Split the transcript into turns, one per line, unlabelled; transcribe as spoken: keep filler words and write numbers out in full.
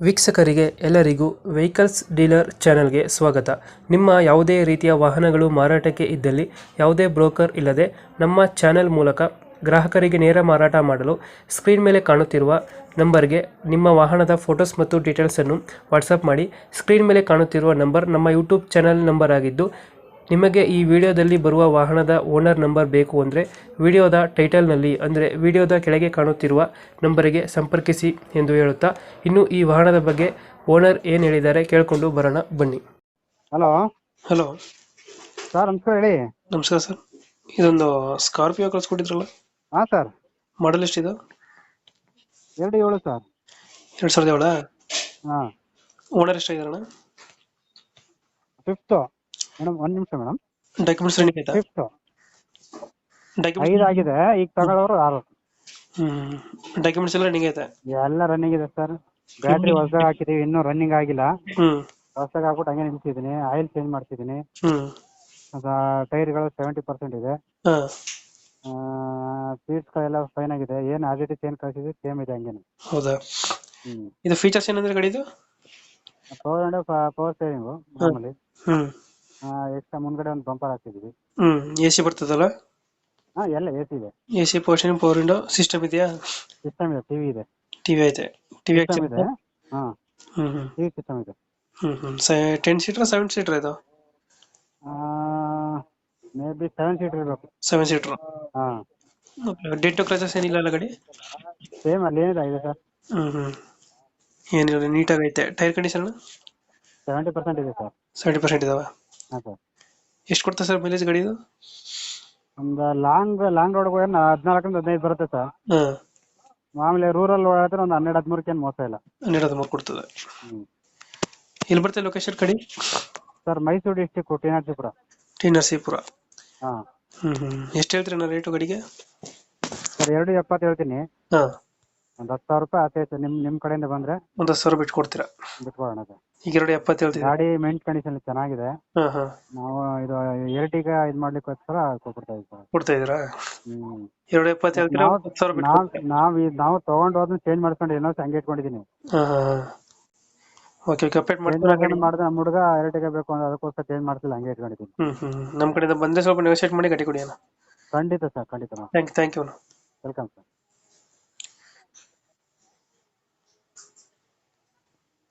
ವೀಕ್ಷಕರಿಗೆ ಎಲ್ಲರಿಗೂ vehicles dealer ಚಾನೆಲ್ಗೆ ಸ್ವಾಗತ. ನಿಮ್ಮ ಯಾವುದೇ ರೀತಿಯ ವಾಹನಗಳು ಮಾರಾಟಕ್ಕೆ ಇದ್ದಲ್ಲಿ ಯಾವುದೇ ಬ್ರೋಕರ್ ಇಲ್ಲದೆ ನಮ್ಮ ಚಾನೆಲ್ ಮೂಲಕ ಗ್ರಾಹಕರಿಗೆ ನೇರ ಮಾರಾಟ ಮಾಡಲು ಸ್ಕ್ರೀನ್ ಮೇಲೆ ಕಾಣುತ್ತಿರುವ ನಂಬರ್ಗೆ ನಿಮ್ಮ ವಾಹನದ ಫೋಟೋಸ್ ಮತ್ತು ಡೀಟೇಲ್ಸನ್ನು ವಾಟ್ಸಪ್ ಮಾಡಿ. ಸ್ಕ್ರೀನ್ ಮೇಲೆ ಕಾಣುತ್ತಿರುವ ನಂಬರ್ ನಮ್ಮ ಯೂಟ್ಯೂಬ್ ಚಾನೆಲ್ ನಂಬರ್ ಆಗಿದ್ದು, ನಿಮಗೆ ಈ ವಿಡಿಯೋದಲ್ಲಿ ಬರುವ ವಾಹನದ ಓನರ್ ನಂಬರ್ ಬೇಕು ಅಂದರೆ ವಿಡಿಯೋದ ಟೈಟಲ್ನಲ್ಲಿ ಅಂದರೆ ವಿಡಿಯೋದ ಕೆಳಗೆ ಕಾಣುತ್ತಿರುವ ನಂಬರಿಗೆ ಸಂಪರ್ಕಿಸಿ ಎಂದು ಹೇಳುತ್ತಾ, ಇನ್ನು ಈ ವಾಹನದ ಬಗ್ಗೆ ಓನರ್ ಏನು ಹೇಳಿದ್ದಾರೆ ಕೇಳಿಕೊಂಡು ಬರೋಣ ಬನ್ನಿ.
ಹಲೋ
ಹಲೋ
ಸರ್, ನಮಸ್ಕಾರ. ಹೇಳಿ.
ನಮಸ್ಕಾರ ಸರ್. ಇದೊಂದು ಸ್ಕಾರ್ಪಿಯೋ ಕಳಿಸ್ಕೊಟ್ಟಿದ್ರಲ್ಲ,
ಹಾಂ ಸರ್.
ಮಾಡಲ್ ಎಷ್ಟಿದೆ?
ಎರಡು ಏಳು ಸರ್.
ಎರಡು ಸಾವಿರದ ಏಳ.
ಹಾಂ.
ಓನರ್ ಎಷ್ಟಾಗಿದಾರಣ?
Fifth madam. ಒಂದು ನಿಮಿಷ ಮೇಡಮ್.
ಡಾಕ್ಯುಮೆಂಟ್ಸ್ ರನ್ನಿಂಗ್ ಆಯ್ತಾ?
ಫಿಫ್ತು
ಡಾಕ್ಯುಮೆಂಟ್ಸ್
ಐದು ಆಗಿದೆ. ಈಗ ತಗೊಳ್ಳೋರು ಆರು.
ಹ್ಮ್ ಡಾಕ್ಯುಮೆಂಟ್ಸ್ ಎಲ್ಲ ರನ್ನಿಂಗ್ ಐತೆ?
ಎಲ್ಲ ರನ್ನಿಂಗ್ ಇದೆ ಸರ್. ಬ್ಯಾಟ್ರಿ ಹೊಸದಾಗಿ ಹಾಕಿದೀವಿ, ಇನ್ನೂ ರನ್ನಿಂಗ್ ಆಗಿಲ್ಲ.
ಹ್ಮ್
ಹೊಸದಾಗಿ ಹಾಕ್ಬಿಟ್ಟು ಹಂಗೆ ನಿಲ್ಸಿದ್ದೀನಿ. ಆಯಿಲ್ ಚೇಂಜ್ ಮಾಡ್ತಿದ್ದೀನಿ.
ಹ್ಮ್
ಟೈರ್ಗಳು ಸೆವೆಂಟಿ ಪರ್ಸೆಂಟ್ ಇದೆ.
ಹಾ
ಸೀಟ್ಸ್ಗಳೆಲ್ಲ ಫೈನ್ ಆಗಿದೆ. ಏನು ಆಸ್ ಇಟ್ ಇಸ್ ಏನು ಕಳಿಸಿದ್ವಿ ಸೇಮ್ ಇದೆ ಹಂಗೇನೆ.
ಹೌದಾ?
ಹ್ಞೂ.
ಇದು ಫೀಚರ್ಸ್ ಏನಂದ್ರೆ ಗಾಡಿದು?
ಪವರ್ ಅಂಡ್ ಪವರ್ ಸ್ಟೇರಿಂಗು ಮಾಮೂಲಿ.
ಹ್ಮ್
ಎಕ್ಸ್ಟ್ರಾ ಮುಂದ್ಗಡೆ ಒಂದು ಬಂಪರ್ ಹಾಕಿದ್ದೀವಿ.
ಹ್ಮ್ ಎ ಸಿ ಬರ್ತದಲ್ಲ?
ಹಾಂ, ಎಲ್ಲ ಎ ಸಿ ಇದೆ.
A C portion, power window system ಇದೆಯಾ?
ಸಿಸ್ಟಮ್ ಇದೆ. ಟಿವಿ ಇದೆ.
ಟಿವಿ ಐತೆ? ಟಿವಿ
ಸಿಸ್ಟಮ್ ಇದೆ. ಹಾಂ,
ಹ್ಮ್ ಹ್ಮ್
ಟಿವಿ ಸಿಸ್ಟಮ್ ಇದೆ.
ಹ್ಮ್ ಹ್ಮ್ ಟೆನ್ ಸೀಟರ್ ಸೆವೆನ್ ಸೀಟರ್ ಇದು?
ಮೇ ಬಿ ಸೆವೆನ್ ಸೀಟರ್ ಇರಬೇಕು.
Seven seater.
ಹಾಂ.
ಡೆಂಟ್ ಕ್ರಚಸ್ ಏನಿಲ್ಲ ಅಲ್ಲ ಗಾಡಿ?
ಸೇಮ್ ಅಲ್ಲಿ ಏನಿದೆ ಇದೆ ಸರ್.
ಹ್ಮ್ ಹ್ಮ್ ಏನಿಲ್ಲ, ನೀಟಾಗಿ ಐತೆ. ಟೈರ್ ಕಂಡೀಷನ್
ಸೆವೆಂಟಿ ಪರ್ಸೆಂಟ್ ಇದೆ ಸರ್.
ಸೆವೆಂಟಿ ಪರ್ಸೆಂಟ್ ಇದಾವೆ?
ಹಾಂ ಸರ್.
ಎಷ್ಟು ಕೊಡ್ತಾ ಸರ್ ಮೈಲೇಜ್ ಗಾಡಿ ಇದು?
ಒಂದು ಲಾಂಗ್ ಲಾಂಗ್ ರೋಡ್ಗೆ ಹೋಗಿ ಹದಿನಾಲ್ಕರಿಂದ ಹದಿನೈದು ಬರುತ್ತೆ ಸರ್.
ಹಾಂ.
ಮಾಮೂಲಿ ರೂರಲ್ ಓಡಾಡಿದ್ರೆ ಒಂದು ಹನ್ನೆರಡು ಹದಿಮೂರಕ್ಕೆ ಏನು ಮೋಸ ಇಲ್ಲ.
ಹನ್ನೆರಡು ಹದಿಮೂರು ಕೊಡ್ತದೆ.
ಹ್ಞೂ.
ಎಲ್ಲಿ ಬರ್ತದೆ ಲೊಕೇಶನ್ ಗಾಡಿ?
Sir, Mysuru district, T Narasipura.
T Narasipura.
ಹಾಂ.
ಹ್ಮ್ ಹ್ಮ್ ಎಷ್ಟು ಹೇಳ್ತೀರಿ ನಾ ರೇಟು ಗಾಡಿಗೆ?
ಸರ್, ಎರಡು ಎಪ್ಪತ್ತು ಹೇಳ್ತೀನಿ.
ಹಾಂ.
ಒಂದು ಹತ್ತು ಸಾವಿರ ರೂಪಾಯಿ ಆತೈತೆ. ನಿಮ್ಮ ನಿಮ್ಮ ಕಡೆಯಿಂದ ಬಂದರೆ
ಒಂದು ಹತ್ತು ಸಾವಿರ ಬಿಟ್ಟು ಕೊಡ್ತೀರಾ?
ಬಿಟ್ಕೊಡೋಣ ಸರ್.
ಈಗ ಎರಡು ಎಪ್ಪತ್ತು ಹೇಳ್ತೀವಿ.
ಗಾಡಿ ಮೆಂಟ್ ಕಂಡೀಷನ್ ಚೆನ್ನಾಗಿದೆ.
ಹಾಂ ಹಾಂ.
ನಾವು ಇದು ಎರಟಿಗ ಇದು ಮಾಡ್ಲಿಕ್ಕೋಸ್ಕರ ಕೊಡ್ತಾ ಇದ್ದೀವಿ ಸರ್.
ಕೊಡ್ತಾ ಇದ್ದೀರಾ?
ಹ್ಞೂ.
ಎರಡು ಎಪ್ಪತ್ತು ಹೇಳ್ತೀರಾ?
ನಾವು
ಹತ್ತು ಸಾವಿರ ಬಿಟ್ಟು
ನಾವು
ಕೊಡ್ತೀರಾ?
ನಾವು ನಾವು ತೊಗೊಂಡು ಹೋದ್ನ ಚೇಂಜ್ ಮಾಡ್ಕೊಂಡು ಏನೋ ಹಂಗೆ ಇಟ್ಕೊಂಡಿದ್ದೀನಿ.
ಹಾಂ ಹಾಂ ಹಾಂ. ಓಕೆ ಓಕೆ, ಅಪ್ಡೇಟ್
ಚೇಂಜ್
ಮಾಡ್ತೀನಿ
ಮಾಡ್ಕೊಂಡು ಮಾಡಿದ್ರೆ ನಮ್ಮ ಹುಡುಗ ಎರಟಿಗೆ ಬೇಕು ಅಂದ್ರೆ ಅದಕ್ಕೋಸ್ಕರ ಚೇಂಜ್ ಮಾಡ್ತಿಲ್ಲ, ಹಂಗೆ ಇಟ್ಕೊಂಡಿದ್ದೀನಿ.
ಹ್ಮ್ ಹ್ಮ್ ನಮ್ಮ ಕಡೆಯಿಂದ ಬಂದರೆ ಸ್ವಲ್ಪ ನೆಗೋಶಿಯೇಟ್ ಮಾಡಿ ಗಾಡಿ ಕೊಡಿ ಅಣ್ಣ.
ಖಂಡಿತ ಸರ್, ಖಂಡಿತ.
Thank thank you.
Welcome sir.